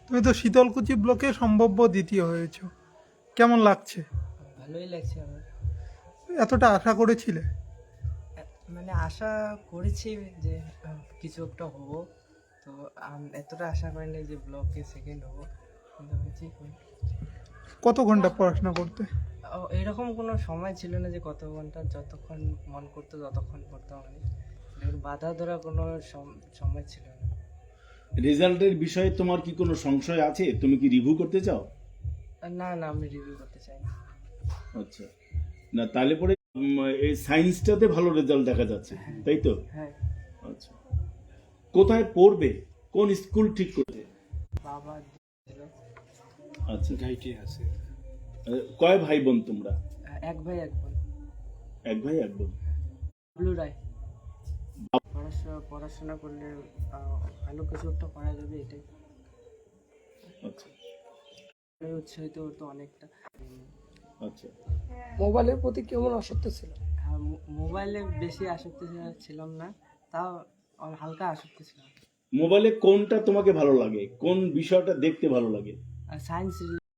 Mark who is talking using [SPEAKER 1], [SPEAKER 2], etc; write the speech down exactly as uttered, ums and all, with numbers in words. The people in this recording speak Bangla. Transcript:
[SPEAKER 1] তুমি তো শীতলকুচি ব্লকে সম্ভাব্য দ্বিতীয় হয়েছো, কেমন লাগছে?
[SPEAKER 2] ভালোই লাগছে আমার।
[SPEAKER 1] এতটা আশা করেছিলে?
[SPEAKER 2] এ- মানে আশা করেছি যে আহ, কিছু একটা হবো, তো আম- এতটা আশা করিনি যে ব্লকে সেকেন্ড হবো, কিন্তু হয়েছি।
[SPEAKER 1] কত ঘন্টা পড়াশোনা করতে?
[SPEAKER 2] ও, এরকম কোনো সময় ছিল না যে কত ঘন্টা, যতক্ষণ মন করতো ততক্ষণ পড়তাম আমি। এরকম বাধা ধরা কোনো সম- সময় ছিল না।
[SPEAKER 3] রেজাল্টের বিষয়ে তোমার কি কোনো সংশয় আছে? তুমি কি রিভিউ করতে চাও?
[SPEAKER 2] আর না না, আমি রিভিউ করতে চাই না।
[SPEAKER 3] আচ্ছা, না তাহলে পরে উম, এই সায়েন্সটাতে ভালো রেজাল্ট দেখা যাচ্ছে, তাই তো?
[SPEAKER 2] হ্যাঁ,
[SPEAKER 3] আচ্ছা, কোথায় পড়বে, কোন স্কুল ঠিক করতে?
[SPEAKER 2] বাবা ছিল।
[SPEAKER 3] আচ্ছা, গাইটি আছে। কয় ভাই বোন তোমরা?
[SPEAKER 2] এক ভাই এক বোন।
[SPEAKER 3] এক ভাই এক বোন।
[SPEAKER 2] ব্লু রায়। পড়াশোনা পড়াশোনা করলে আহ, ভালো কিছু একটা করা যাবে, এটাই।
[SPEAKER 3] আচ্ছা
[SPEAKER 2] আমি উৎসাহিত হতো অনেকটা।
[SPEAKER 3] আচ্ছা।
[SPEAKER 4] মোবাইলের প্রতি কেমন আসক্ত ছিল?
[SPEAKER 2] হ্যাঁ, মো- মোবাইলে বেশি আসক্তি ছিল- ছিলাম না, তাও অল- হালকা আসক্তি ছিলাম।
[SPEAKER 3] মোবাইলে কোনটা তোমাকে ভালো লাগে, কোন বিষয়টা দেখতে ভালো লাগে?
[SPEAKER 2] আর সায়েন্স